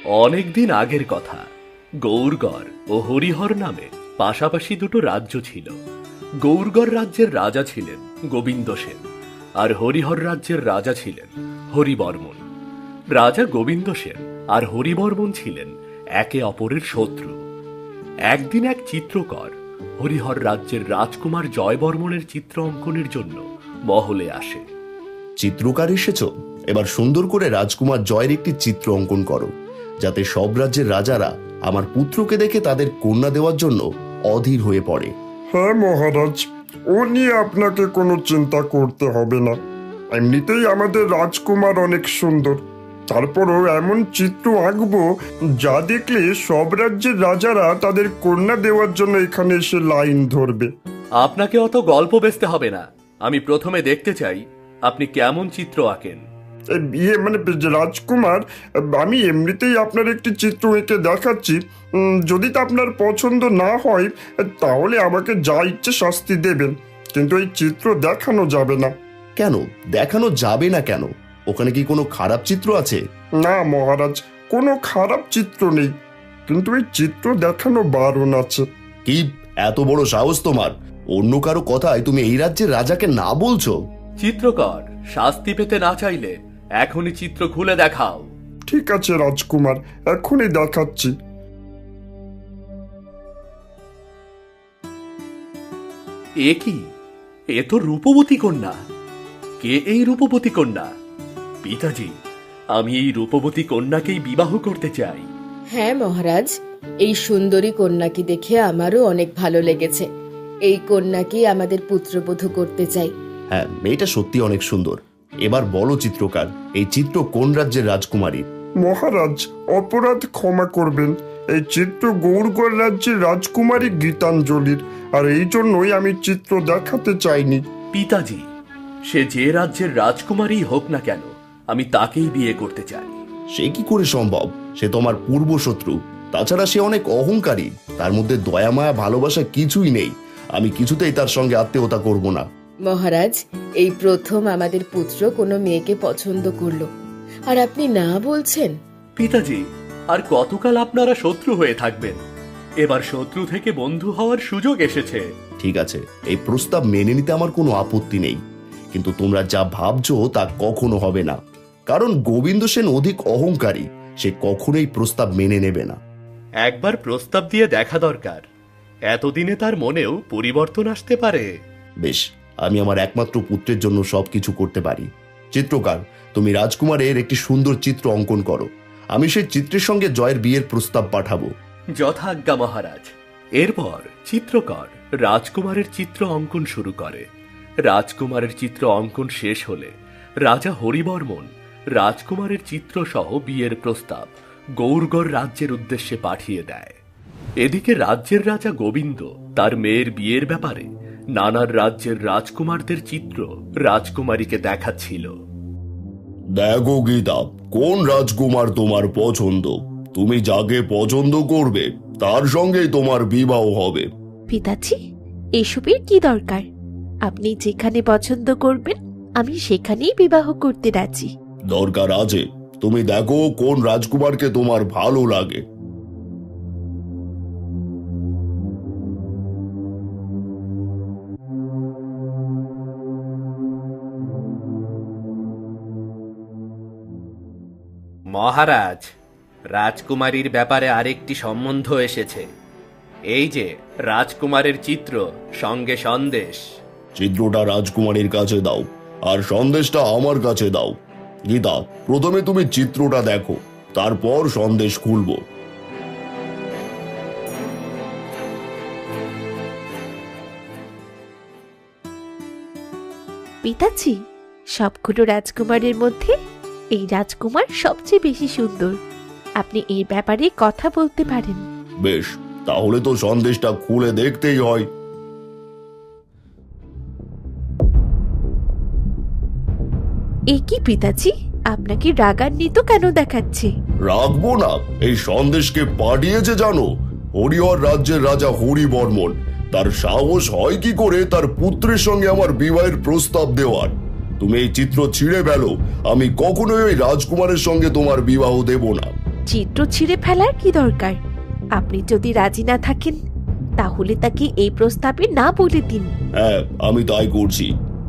অনেকদিন আগের কথা। গৌরগড় ও হরিহর নামে পাশাপাশি দুটো রাজ্য ছিল। গৌরগড় রাজ্যের রাজা ছিলেন গোবিন্দ সেন, আর হরিহর রাজ্যের রাজা ছিলেন হরিবর্মন। রাজা গোবিন্দ সেন আর হরিবর্মন ছিলেন একে অপরের শত্রু। একদিন এক চিত্রকর হরিহর রাজ্যের রাজকুমার জয়বর্মনের চিত্র অঙ্কনের জন্য মহলে আসে। চিত্রকার এসেছ, এবার সুন্দর করে রাজকুমার জয়ের একটি চিত্র অঙ্কন করো, যাতে সব রাজ্যের রাজারা আমার পুত্রকে দেখে তাদের কন্যা দেওয়ার জন্য অধীর হয়ে পড়ে। হ্যাঁ মহারাজ, ও নিয়ে আপনাকে কোনো চিন্তা করতে হবে না। এমনিতেই আমাদের রাজকুমার অনেক সুন্দর, তারপরও এমন চিত্র আঁকবো যা দেখলে সব রাজ্যের রাজারা তাদের কন্যা দেওয়ার জন্য এখানে এসে লাইন ধরবে। আপনাকে অত গল্প বেচতে হবে না, আমি প্রথমে দেখতে চাই আপনি কেমন চিত্র আঁকেন। মানে রাজকুমার, আমি এমনিতেই আপনার একটি চিত্র এঁকে দেখাচ্ছি। যদি তা আপনার পছন্দ না হয় তাহলে আমাকে যা ইচ্ছে শাস্তি দেবেন, কিন্তু এই চিত্র দেখানো যাবে না। কেন দেখানো যাবে না কেন? ওখানে কি কোনো খারাপ চিত্র আছে? না মহারাজ, কোনো খারাপ চিত্র নেই, কিন্তু এই চিত্র দেখানো বারণ আছে। কি এত বড় সাহস তোমার? অন্য কারো কথায় তুমি এই রাজ্যের রাজাকে না বলছো? চিত্রকর, শাস্তি পেতে না চাইলে এখনই চিত্র খুলে দেখাও। ঠিক আছে রাজকুমার, এখনই দেখাচ্ছি। এ কি? এ তো রূপবতী কন্যা। কে এই রূপবতী কন্যা? পিতাজি, আমি এই রূপবতী কন্যাকেই বিবাহ করতে চাই। হ্যাঁ মহারাজ, এই সুন্দরী কন্যাকে দেখে আমারও অনেক ভালো লেগেছে। এই কন্যাকে আমাদের পুত্রবধূ করতে চাই। হ্যাঁ, মেয়েটা সত্যি অনেক সুন্দর। এবার বলো চিত্রকার, এই চিত্র কোন রাজ্যের রাজকুমারী? মহারাজ, অপরাধ ক্ষমা করবেন, এই চিত্র গৌরগড় রাজ্যের রাজকুমারী গীতাঞ্জলির, আর এই জন্যই আমি চিত্র দেখাতে চাইনি। পিতাজি, সে যে রাজ্যের রাজকুমারী হোক না কেন, আমি তাকেই বিয়ে করতে চাই। সে কি করে সম্ভব? সে তোমার পূর্বশত্রু, তাছাড়া সে অনেক অহংকারী, তার মধ্যে দয়া মায়া ভালোবাসা কিছুই নেই। আমি কিছুতেই তার সঙ্গে আত্মীয়তা করব না। মহারাজ, এই প্রথম আমাদের পুত্র কোনো মেয়েকে পছন্দ করলো, আর আপনি না বলছেন? পিতাজি, আর কতকাল আপনারা শত্রু হয়ে থাকবেন? এবার শত্রু থেকে বন্ধু হওয়ার সুযোগ এসেছে। ঠিক আছে, এই প্রস্তাব মেনে নিতে আমার কোনো আপত্তি নেই, কিন্তু তোমরা যা ভাবছো তা কখনো হবে না। কারণ গোবিন্দ সেন অধিক অহংকারী, সে কখনোই প্রস্তাব মেনে নেবে না। একবার প্রস্তাব দিয়ে দেখা দরকার, এতদিনে তার মনেও পরিবর্তন আসতে পারে। বেশ, আমি আমার একমাত্র পুত্রের জন্য সবকিছু করতে পারি। চিত্রকার, তুমি রাজকুমারের একটি সুন্দর চিত্র অঙ্কন করো, আমি সেই চিত্রের সঙ্গে জয়ের বিয়ের প্রস্তাব পাঠাবো। যথাজ্ঞা মহারাজ। এরপর চিত্রকর রাজকুমারের চিত্র অঙ্কন শুরু করে। রাজকুমারের চিত্র অঙ্কন শেষ হলে রাজা হরিবর্মন রাজকুমারের চিত্র সহ বিয়ের প্রস্তাব গৌরগড় রাজ্যের উদ্দেশ্যে পাঠিয়ে দেয়। এদিকে রাজ্যের রাজা গোবিন্দ তার মেয়ের বিয়ের ব্যাপারে নানান রাজ্যের রাজকুমারদের চিত্র রাজকুমারীকে দেখাচ্ছিল। দেখো গীতা, কোন রাজকুমার তোমার পছন্দ? তুমি যাকে পছন্দ করবে তার সঙ্গেই তোমার বিবাহ হবে। পিতাজি, এসবের কি দরকার? আপনি যেখানে পছন্দ করবেন আমি সেখানেই বিবাহ করতে রাজি। দরকার আছে, তুমি দেখো কোন রাজকুমারকে তোমার ভালো লাগে। মহারাজ, রাজকুমারীর ব্যাপারে আরেকটি সম্বন্ধ এসেছে। এই যে রাজকুমারের চিত্র সঙ্গে সন্দেশ। চিত্রটা রাজকুমারীর কাছে দাও, আর সন্দেশটা আমার কাছে দাও। গীতা, প্রথমে তুমি চিত্রটা দেখো, তারপর সন্দেশ খুলবো। পিতাজি, সবগুলো রাজকুমারের মধ্যে এই রাজকুমার সবচেয়ে বেশি সুন্দর। আপনি এই ব্যাপারে কথা বলতে পারেন। বেশ, তাহলে তো সন্দেশটা খুলে দেখতেই হয়। এ কি পিতাজি, আপনাকে রাগান্বিত কেন দেখাচ্ছে? রাখবো না, এই সন্দেশকে পাঠিয়েছে জানো হরিহর রাজ্যের রাজা হরিবর্মন। তার সাহস হয় কি করে তার পুত্রের সঙ্গে আমার বিবাহের প্রস্তাব দেওয়ার? তুমি এই চিত্র ছিঁড়ে ফেলো, আমি কখনোই ওই রাজকুমারের সঙ্গে তোমার বিবাহ দেব না। চিত্র ছিঁড়ে ফেলার কি দরকার? আপনি যদি রাজি না থাকেন তাহলে তাকে এই প্রস্তাবে না বলে দিন। হ্যাঁ, আমি তাই করছি।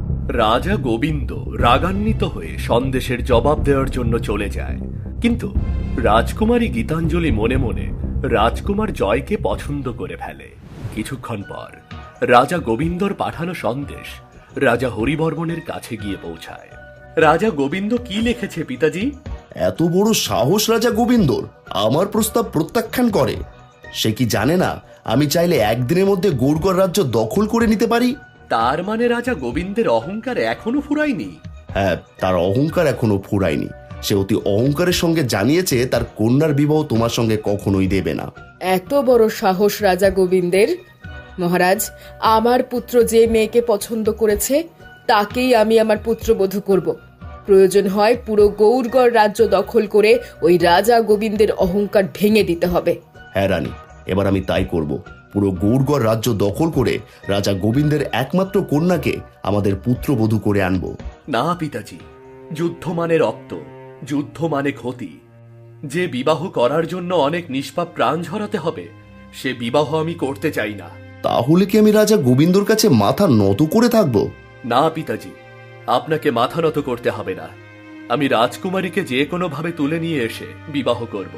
রাজা গোবিন্দ রাগান্বিত হয়ে সন্দেশের জবাব দেওয়ার জন্য চলে যায়, কিন্তু রাজকুমারী গীতাঞ্জলি মনে মনে রাজকুমার জয়কে পছন্দ করে ফেলে। কিছুক্ষণ পর রাজা গোবিন্দর পাঠানো সন্দেশ রাজা হরিবর্মণের কাছে গিয়ে পৌঁছায়। রাজা গোবিন্দ কি লিখেছে পিতাজি? এত বড় সাহস রাজা গোবিন্দর আমার প্রস্তাব প্রত্যাখ্যান করে? সে কি জানে না আমি চাইলে একদিনের মধ্যে গৌরগড় রাজ্য দখল করে নিতে পারি? তার মানে রাজা গোবিন্দের অহংকার এখনো ফুরায়নি? হ্যাঁ, তার অহংকার এখনো ফুরায়নি। সে অতি অহংকারের সঙ্গে জানিয়েছে তার কন্যার বিবাহ তোমার সঙ্গে কখনোই দেবে না। এত বড় সাহস রাজা গোবিন্দের! মহারাজ, আমার পুত্র যে মেয়েকে পছন্দ করেছে তাকেই আমি আমার পুত্রবধূ করব। প্রয়োজন হয় পুরো গৌরগড় রাজ্য দখল করে ওই রাজা গোবিন্দের অহংকার ভেঙে দিতে হবে। হ্যাঁ রানী, এবার আমি তাই করব। পুরো গৌরগড় রাজ্য দখল করে রাজা গোবিন্দের একমাত্র কন্যাকে আমাদের পুত্রবধূ করে আনব। না পিতাজি, যুদ্ধ মানে রক্ত, যুদ্ধ মানে ক্ষতি। যে বিবাহ করার জন্য অনেক নিষ্পাপ প্রাণ ঝরাতে হবে, সে বিবাহ আমি করতে চাই না। তাহলে কি আমি রাজা গোবিন্দর কাছে মাথা নত করে থাকব? না পিতাজি, আপনাকে মাথা নত করতে হবে না। আমি রাজকুমারীকে যে কোনোভাবে তুলে নিয়ে এসে বিবাহ করব।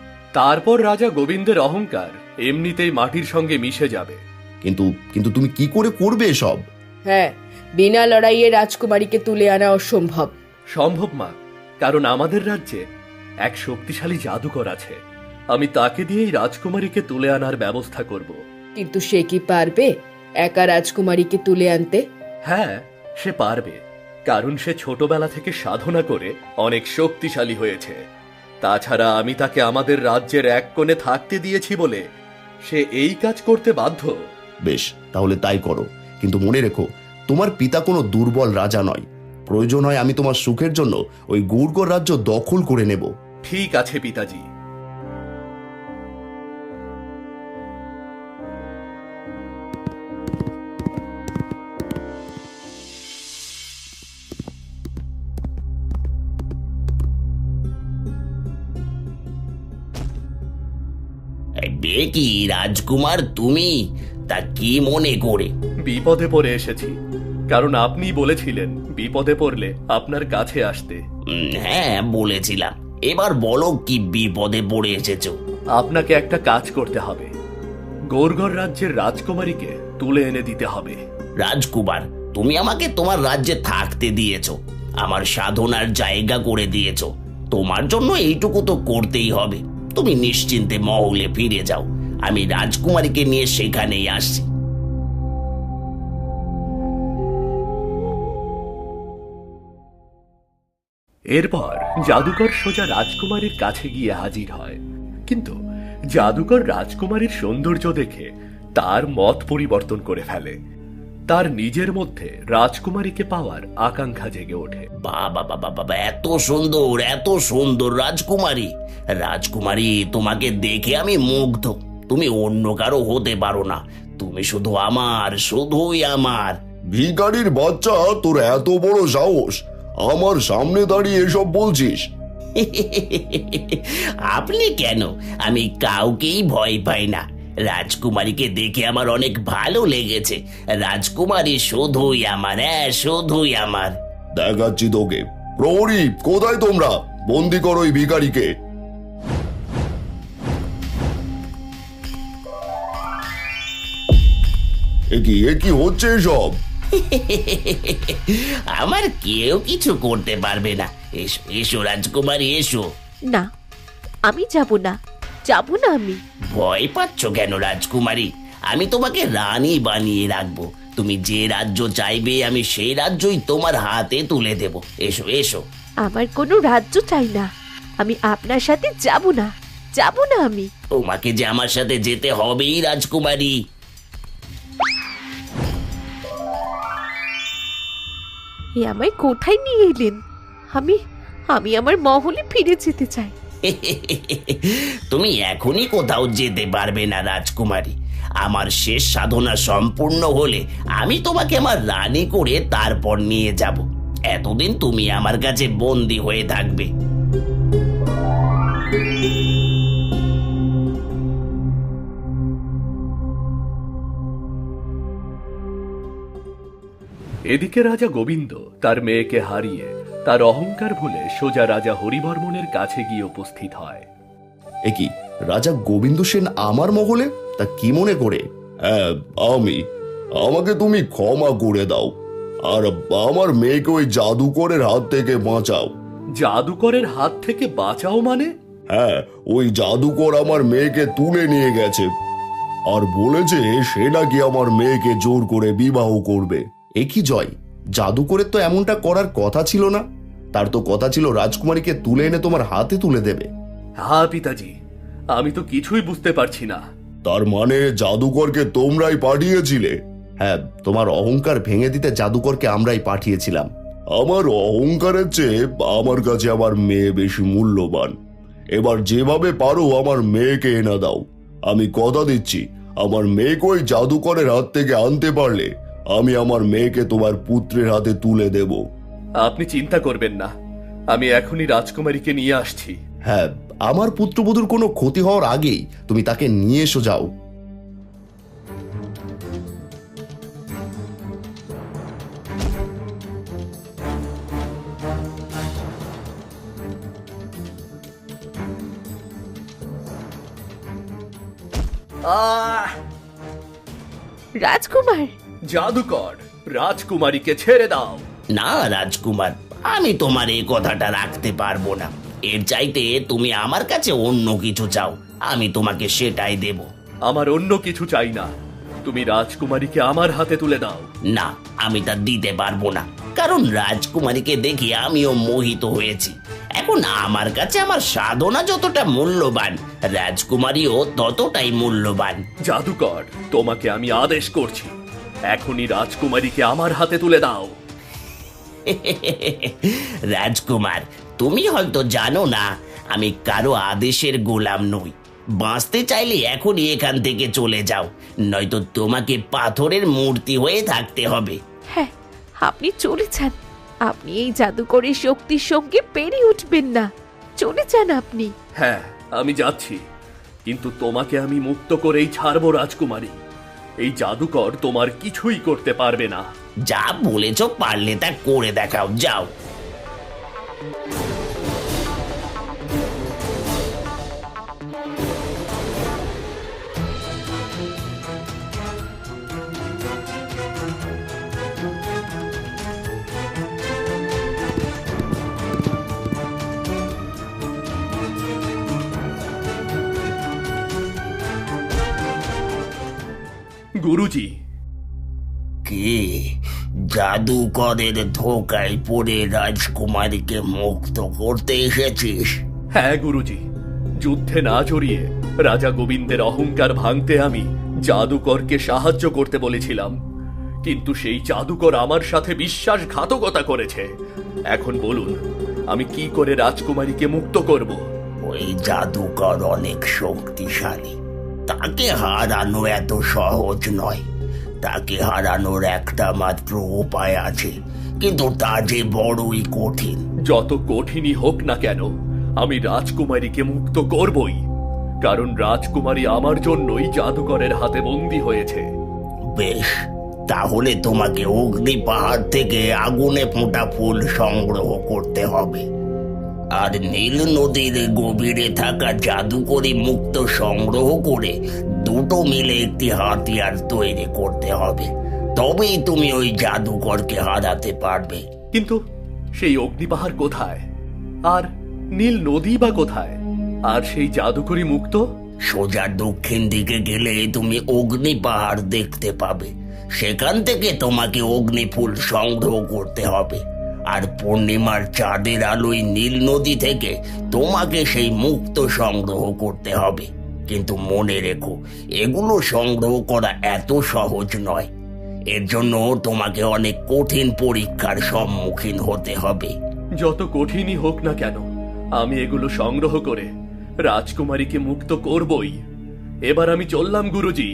তারপর রাজা গোবিন্দের অহংকার এমনিতেই মাটির সঙ্গে মিশে যাবে। কিন্তু কিন্তু তুমি কি করে করবে এসব? হ্যাঁ, বিনা লড়াইয়ে রাজকুমারীকে তুলে আনা অসম্ভব। সম্ভব মা, কারণ আমাদের রাজ্যে এক শক্তিশালী জাদুকর আছে। আমি তাকে দিয়েই রাজকুমারীকে তুলে আনার ব্যবস্থা করব। কিন্তু সে কি পারবে একা রাজকুমারীকে তুলে আনতে? হ্যাঁ, সে পারবে, কারণ সে ছোটবেলা থেকে সাধনা করে অনেক শক্তিশালী হয়েছে। তাছাড়া আমি তাকে আমাদের রাজ্যের এক কোণে থাকতে দিয়েছি বলে সে এই কাজ করতে বাধ্য। বেশ, তাহলে তাই করো। কিন্তু মনে রেখো, তোমার পিতা কোনো দুর্বল রাজা নয়। প্রয়োজন হয় আমি তোমার সুখের জন্য ওই গৌরগড় রাজ্য দখল করে নেব। ঠিক আছে পিতাজি। কি রাজকুমার, তুমি তা কি মনে করে? বিপদে পড়ে এসেছি, কারণ আপনি বলেছিলেন বিপদে পড়লে আপনার কাছে আসতে। হ্যাঁ, বলেছিলাম। এবার বলো কি বিপদে পড়ে এসেছো? আপনাকে একটা কাজ করতে হবে। গৌরগড় রাজ্যের রাজকুমারীকে তুলে এনে দিতে হবে। রাজকুমার, তুমি আমাকে তোমার রাজ্যে থাকতে দিয়েছো, আমার সাধনার জায়গা করে দিয়েছো। তোমার জন্য এইটুকু তো করতেই হবে। তুমি নিশ্চিন্তে মহলে ফিরে যাও, আমি রাজকুমারীকে নিয়ে সেখানেই আসছি। এরপর জাদুকর সোজা রাজকুমারীর কাছে গিয়ে হাজির হয়, কিন্তু জাদুকর রাজকুমারীর সৌন্দর্য দেখে তার মত পরিবর্তন করে ফেলে। তার নিজের মধ্যে রাজকুমারীকে পাওয়ার আকাঙ্ক্ষা জেগে ওঠে। বাবা বাবা বাবা, এত সুন্দর, এত সুন্দর রাজকুমারী! রাজকুমারী, তোমাকে দেখে আমি মুগ্ধ। তুমি অন্য কারো হতে পারো না, তুমি শুধু আমার, শুধুই আমার। ভিখারির বাচ্চা, তোর এত বড় সাহস! আমার সামনে দাঁড়িয়ে এসব বলছিস? আপনি কেন? আমি কাউকেই ভয় পাই না। রাজকুমারীকে দেখে আমার অনেক ভালো লেগেছে। রাজকুমারী শুধুই আমার, হ্যাঁ শুধুই আমার। দেখাচ্ছি তোকে। প্রহরী, কোথায় তোমরা? বন্দি করো ওই ভিখারিকে। এ কি হচ্ছে এসব? আমার কেউ কিছু করতে পারবে না। এসো এসো রাজকুমারী, এসো। না, আমি যাব না, যাব না আমি। ভয় পাচ্ছ কেন রাজকুমারী? আমি তোমাকে রানী বানিয়ে রাখবো। তুমি যে রাজ্য চাইবে আমি সেই রাজ্যই তোমার হাতে তুলে দেব। এসো এসো। আমার কোনো রাজ্য চাই না, আমি আপনার সাথে যাব না, যাব না আমি। তোমাকে যে আমার সাথে যেতে হবেই রাজকুমারী। এ আমায় কোথায় নিয়ে এলেন? আমি আমি আমার মহলে ফিরে যেতে চাই। তুমি এখনই কোথাও যেতে পারবে না রাজকুমারী। আমার শেষ সাধনা সম্পূর্ণ হলে আমি তোমাকে আমার রানী করে তারপর নিয়ে যাব। এতদিন তুমি আমার কাছে বন্দী হয়ে থাকবে। এদিকে রাজা গোবিন্দ তার মেয়েকে হারিয়ে তার অহংকার ভুলে সোজা রাজা হরিবর্মনের কাছে গিয়ে উপস্থিত হয়। এ কি, রাজা গোবিন্দ সেন আমার মহলে? তা কি মনে করে? হ্যাঁ, আমাকে তুমি ক্ষমা করে দাও, আর আমার মেয়েকে ওই জাদুকরের হাত থেকে বাঁচাও। জাদুকরের হাত থেকে বাঁচাও মানে? হ্যাঁ, ওই জাদুকর আমার মেয়েকে তুলে নিয়ে গেছে আর বলেছে সে নাকি আমার মেয়েকে জোর করে বিবাহ করবে। এ কি জয়, জাদুকরের তো এমনটা করার কথা ছিল না। তার তো কথা ছিল রাজকুমারীকে তুলে এনে তোমার হাতে তুলে দেবে। হ্যাঁ পিতাজি, আমি তো কিছুই বুঝতে পারছি না। তার মানে জাদুকরকে তোমরাই পাঠিয়েছিলে? হ্যাঁ, তোমার অহংকার ভেঙে দিতে জাদুকরকে আমরাই পাঠিয়েছিলাম। আমার অহংকারের চেয়ে আমার কাছে আমার মেয়ে বেশি মূল্যবান। এবার যেভাবে পারো আমার মেয়েকে এনে দাও। আমি কথা দিচ্ছি, আমার মেয়েকে ওই জাদুকরের হাত থেকে আনতে পারলে আমি আমার মেয়েকে তোমার পুত্রের হাতে তুলে দেব। আপনি চিন্তা করবেন না, আমি এখনই রাজকুমারীকে নিয়ে আসছি। হ্যাঁ, আমার পুত্রবধূর কোনো ক্ষতি হওয়ার আগেই তুমি তাকে নিয়ে এসো, যাও। রাজকুমার, জাদুকর, রাজকুমারীকে ছেড়ে দাও। না রাজকুমার, আমি তোমার এই কথাটা রাখতে পারবো না। এর চাইতে তুমি আমার কাছে অন্য কিছু চাও, আমি তোমাকে সেটাই দেব। আমার অন্য কিছু চাই না, তুমি রাজকুমারীকে আমার হাতে তুলে দাও। না, আমি তা দিতে পারবো না, কারণ রাজকুমারীকে দেখে আমিও মোহিত হয়েছি। এখন আমার কাছে আমার সাধনা যতটা মূল্যবান, রাজকুমারীও ততটাই মূল্যবান। জাদুকর, তোমাকে আমি আদেশ করছি, এখনই রাজকুমারীকে আমার হাতে তুলে দাও। রাজকুমার, তুমি হয়তো জানো না আমি কারো আদেশের গোলাম নই। বাঁচতে চাইলে এখনই এখান থেকে চলে যাও, নয়তো তোমাকে পাথরের মূর্তি হয়ে থাকতে হবে। হ্যাঁ, আপনি চলে যান। আপনি এই জাদুকরের শক্তির সঙ্গে পেরিয়ে উঠবেন না। চলে যান আপনি। হ্যাঁ, আমি যাচ্ছি, কিন্তু তোমাকে আমি মুক্ত করেই ছাড়বো রাজকুমারী। এই জাদুকর তোমার কিছুই করতে পারবে না। যা বলেছ পারলে তা করে দেখাও, যাও। গুরুজি, কি জাদুকরের ধোকায় পড়ে রাজকুমারীকে মুক্ত করতে এসেছিস? হ্যাঁ গুরুজি, যুদ্ধে না জড়িয়ে রাজা গোবিন্দের অহংকার ভাঙতে আমি জাদুকরকে সাহায্য করতে বলেছিলাম, কিন্তু সেই জাদুকর আমার সাথে বিশ্বাসঘাতকতা করেছে। এখন বলুন, আমি কি করে রাজকুমারীকে মুক্ত করব? ওই জাদুকর অনেক শক্তিশালী, তাকে হারানো এত সহজ নয়। তাকে হারানোর একটা মাত্র উপায় আছে, কিন্তু তা যে বড়ই কঠিন। যত কঠিনই হোক না কেন, আমি রাজকুমারীকে মুক্ত করবই, কারণ রাজকুমারী আমার জন্যই জাদুকরের হাতে বন্দী হয়েছে। বেশ, তাহলে তোমাকে অগ্নি পাহাড় থেকে আগুনে ফোঁটা ফুল সংগ্রহ করতে হবে, আর নীল নদীর গভীরে থাকা জাদুকরি মুক্ত সংগ্রহ করে দুটো মিলে একটি হাতিয়ার তৈরি করতে হবে। তবেই তুমি ওই জাদুকরকে হারাতে পারবে। কিন্তু সেই অগ্নিপাহাড় কোথায়, আর নীল নদী বা কোথায়, আর সেই জাদুকরি মুক্ত? সোজা দক্ষিণ দিকে গেলে তুমি অগ্নি পাহাড় দেখতে পাবে। সেখান থেকে তোমাকে অগ্নি ফুল সংগ্রহ করতে হবে, আর পূর্ণিমার চাঁদের আলোয় নীল নদী থেকে তোমাকে সেই মুক্ত সংগ্রহ করতে হবে। কিন্তু মনে রেখো, এগুলো সংগ্রহ করা এত সহজ নয়। এর জন্য তোমাকে অনেক কঠিন পরীক্ষার সম্মুখীন হতে হবে। যত কঠিনই হোক না কেন, আমি এগুলো সংগ্রহ করে রাজকুমারীকে মুক্ত করবই। এবার আমি চললাম গুরুজি।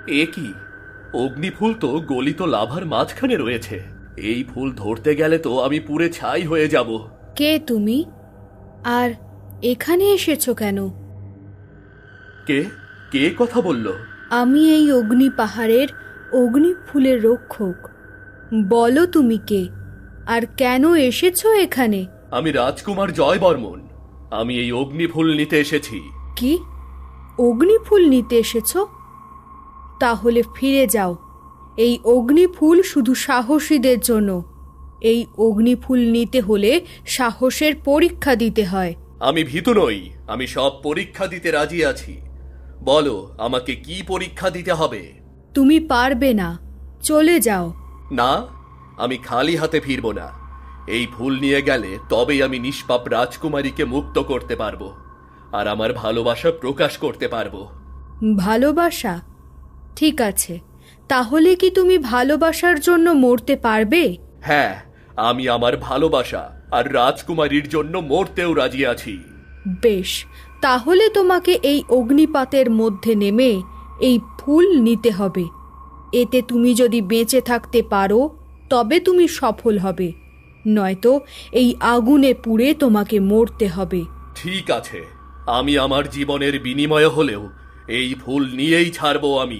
এ কি, অগ্নিফুল তো গলিত লাভার মাঝখানে রয়েছে। এই ফুল ধরতে গেলে তো আমি পুড়ে ছাই হয়ে যাব। কে তুমি? আর এখানে এসেছো কেন? কে কে কথা বলল? আমি এই অগ্নি পাহাড়ের অগ্নি ফুলের রক্ষক। বলো তুমি কে, আর কেন এসেছো এখানে? আমি রাজকুমার জয় বর্মন। আমি এই অগ্নিফুল নিতে এসেছি। কি, অগ্নি ফুল নিতে এসেছো? তাহলে ফিরে যাও। এই অগ্নি ফুল শুধু সাহসীদের জন্য। এই অগ্নি ফুল নিতে হলে সাহসের পরীক্ষা দিতে হয়। আমি ভীতু নই, আমি সব পরীক্ষা দিতে রাজি আছি। বলো, আমাকে কি পরীক্ষা দিতে হবে? তুমি পারবে না, চলে যাও। না, আমি খালি হাতে ফিরব না। এই ফুল নিয়ে গেলে তবেই আমি নিষ্পাপ রাজকুমারীকে মুক্ত করতে পারবো, আর আমার ভালোবাসা প্রকাশ করতে পারবো। ভালোবাসা? ঠিক আছে, তাহলে কি তুমি ভালোবাসার জন্য মরতে পারবে? হ্যাঁ, আমি আমার ভালোবাসা আর রাজকুমারীর জন্য মরতেও রাজি আছি। বেশ, তাহলে তোমাকে এই অগ্নিপাতের মধ্যে নেমে এই ফুল নিতে হবে। এতে তুমি যদি বেঁচে থাকতে পারো তবে তুমি সফল হবে, নয়তো এই আগুনে পুড়ে তোমাকে মরতে হবে। ঠিক আছে, আমি আমার জীবনের বিনিময় হলেও এই ফুল নিয়েই ছাড়বো আমি।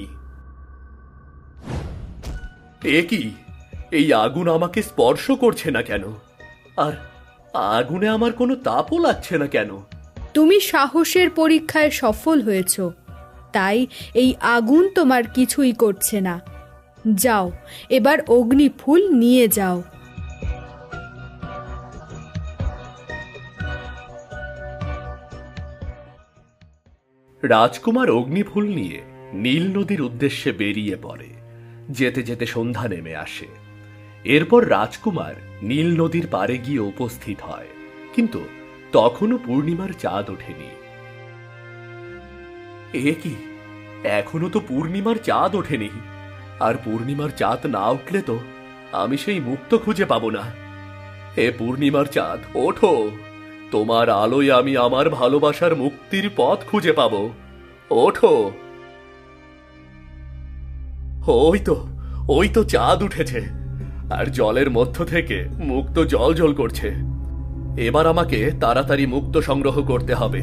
এ কি, এই আগুন আমাকে স্পর্শ করছে না কেন? আর আগুনে আমার কোনো তাপও লাগছে না কেন? তুমি সাহসের পরীক্ষায় সফল হয়েছ, তাই এই আগুন তোমার কিছুই করছে না। যাও, এবার অগ্নি ফুল নিয়ে যাও। রাজকুমার অগ্নিফুল নিয়ে নীল নদীর উদ্দেশ্যে বেরিয়ে পড়ে। যেতে যেতে সন্ধ্যা নেমে আসে। এরপর রাজকুমার নীল নদীর পাড়ে গিয়ে উপস্থিত হয়, কিন্তু তখনও পূর্ণিমার চাঁদ ওঠেনি। এ কি, এখনো তো পূর্ণিমার চাঁদ ওঠেনি। আর পূর্ণিমার চাঁদ না উঠলে তো আমি সেই মুক্ত খুঁজে পাবো না। হে পূর্ণিমার চাঁদ, ওঠো। তোমার আলোয় আমি আমার ভালোবাসার মুক্তির পথ খুঁজে পাবো। ওঠো। ওই তো চাঁদ উঠেছে, আর জলের মধ্য থেকে মুক্ত জল জল করছে। এবার আমাকে তাড়াতাড়ি মুক্ত সংগ্রহ করতে হবে।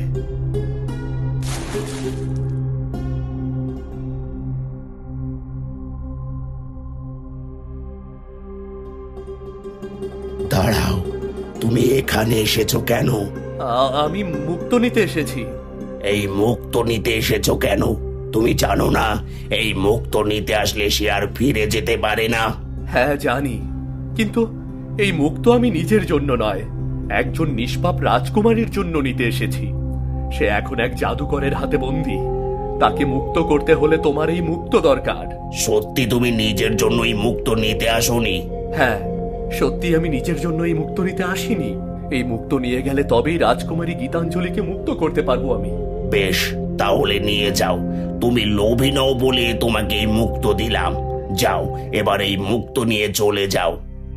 দাঁড়াও, তুমি এখানে এসেছো কেন? আমি মুক্ত নিতে এসেছি। এই মুক্ত নিতে এসেছো কেন? তুমি জানো না এই মুক্ত নিতে আসলে সে আর ফিরে যেতে পারে না? হ্যাঁ জানি, কিন্তু এই মুক্ত আমি নিজের জন্য নয়, একজন নিষ্পাপ রাজকুমারীর জন্য নিতে এসেছি। সে এখন এক জাদুকরের হাতে বন্দী। তাকে মুক্ত করতে হলে তোমার এই মুক্ত দরকার। সত্যি তুমি নিজের জন্য এই মুক্ত নিতে আসোনি? হ্যাঁ, সত্যি আমি নিজের জন্য এই মুক্ত নিতে আসিনি। এই মুক্ত নিয়ে গেলে তবেই রাজকুমারী গীতাঞ্জলিকে মুক্ত করতে পারবো আমি। বেশ, তাহলে নিয়ে যাও। তুমি লোভী নও বলে তোমাকে এই মুক্ত দিলাম। যাও, এবার এই মুক্ত নিয়ে চলে যাও।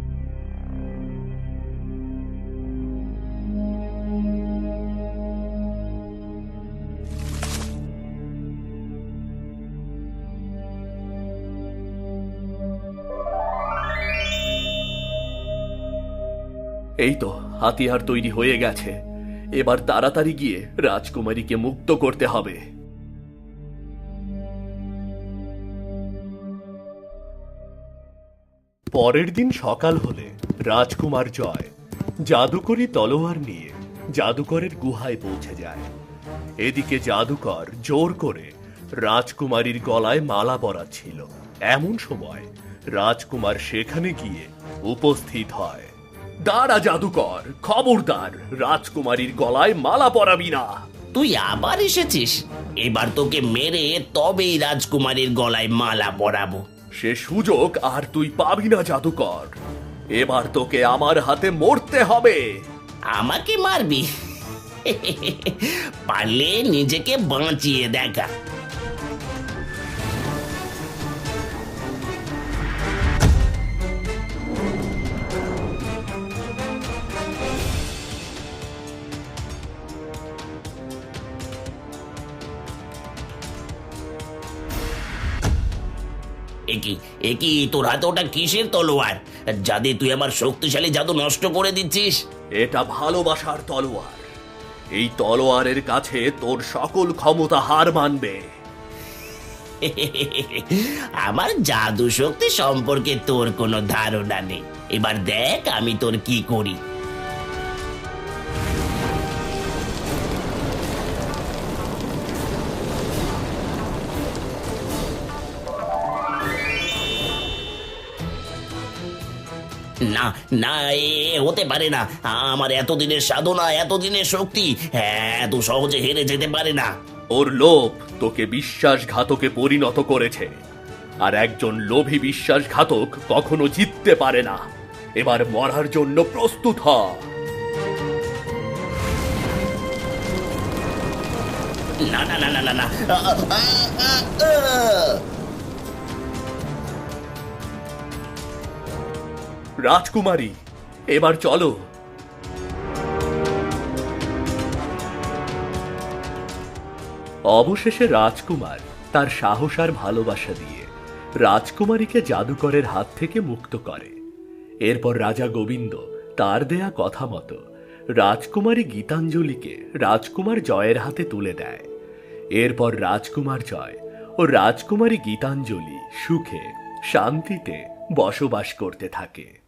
এই তো হাতিয়ার তৈরি হয়ে গেছে। এবার তাড়াতাড়ি গিয়ে রাজকুমারীকে মুক্ত করতে হবে। পরের দিন সকাল হলে রাজকুমার জয় জাদুকরি তলোয়ার নিয়ে জাদুকরের গুহায় পৌঁছে যায়। এদিকে জাদুকর জোর করে রাজকুমারীর গলায় মালা পরাচ্ছিল। এমন সময় রাজকুমার সেখানে গিয়ে উপস্থিত হয়। দাঁড়া জাদুকর, খবরদার, রাজকুমারীর গলায় মালা পরাবি না। তুই আবার এসেছিস? এবার তোকে মেরে তবেই রাজকুমারীর গলায় মালা পরাবো। সে সুযোগ আর তুই পাবি না জাদুকর। এবার তোকে আমার হাতে মরতে হবে। আমাকে মারবি? পারলে নিজেকে বাঁচিয়ে দেখা। একি তোর হাতে ওটা কিসের তলোয়ার? যা দিয়ে তুই আমার শক্তিশালী জাদু নষ্ট করে দিচ্ছিস? এটা ভালোবাসার তলোয়ার। এই তলোয়ারের কাছে তোর সকল ক্ষমতা হার মানবে। আমার জাদু শক্তি সম্পর্কে তোর কোনো ধারণা নেই। এবার দেখ আমি তোর কি করি। না না, হতে পারে না। আমার এতদিনের সাধনা, এতদিনের শক্তি এত সহজে হেরে যেতে পারে না। ওর লোভ তোকে বিশ্বাসঘাতকে পরিণত করেছে, আর একজন লোভী বিশ্বাসঘাতক কখনো জিততে পারে না। এবার মরার জন্য প্রস্তুত হ। না না না না না না। রাজকুমারী, এবার চলো। অবশেষে রাজকুমার তার সাহস আর ভালোবাসা দিয়ে রাজকুমারীকে জাদুকরের হাত থেকে মুক্ত করে। এরপর রাজা গোবিন্দ তার দেয়া কথা মতো রাজকুমারী গীতাঞ্জলিকে রাজকুমার জয়ের হাতে তুলে দেয়। এরপর রাজকুমার জয় ও রাজকুমারী গীতাঞ্জলি সুখে শান্তিতে বসবাস করতে থাকে।